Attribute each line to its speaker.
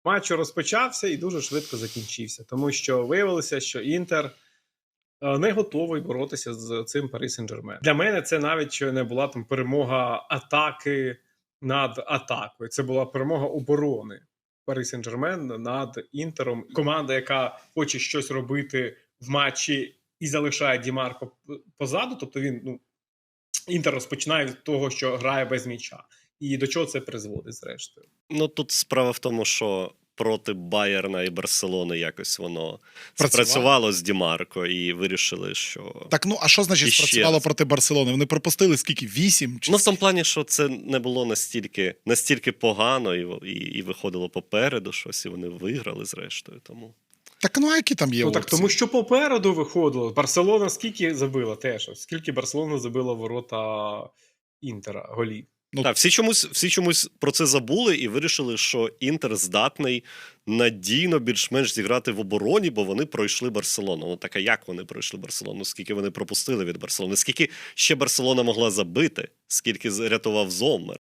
Speaker 1: Матч розпочався і дуже швидко закінчився, тому що виявилося, що Інтер не готовий боротися з цим Парі Сен-Жермен. Для мене це навіть не була там перемога атаки над атакою. Це була перемога оборони Парі Сен-Жермен над Інтером. Команда, яка хоче щось робити в матчі і залишає Ді Марко позаду, тобто він, Інтер розпочинає від того, що грає без м'яча. І до чого це призводить, зрештою?
Speaker 2: Ну, тут справа в тому, що проти Байерна і Барселони якось воно спрацювало з Ді Марко і вирішили, що...
Speaker 3: Так, а що значить спрацювало проти Барселони? Вони пропустили скільки? 8?
Speaker 2: Ну, в тому плані, що це не було настільки погано і виходило попереду щось, і вони виграли зрештою, тому...
Speaker 3: Так, а які там є опції?
Speaker 1: Так, тому що попереду виходило. Барселона скільки забила теж? Скільки Барселона забила ворота Інтера голів?
Speaker 2: Так, всі чомусь про це забули і вирішили, що Інтер здатний надійно більш-менш зіграти в обороні, бо вони пройшли Барселону. Ну так, а як вони пройшли Барселону? Скільки вони пропустили від Барселони? Скільки ще Барселона могла забити? Скільки рятував Зоммер?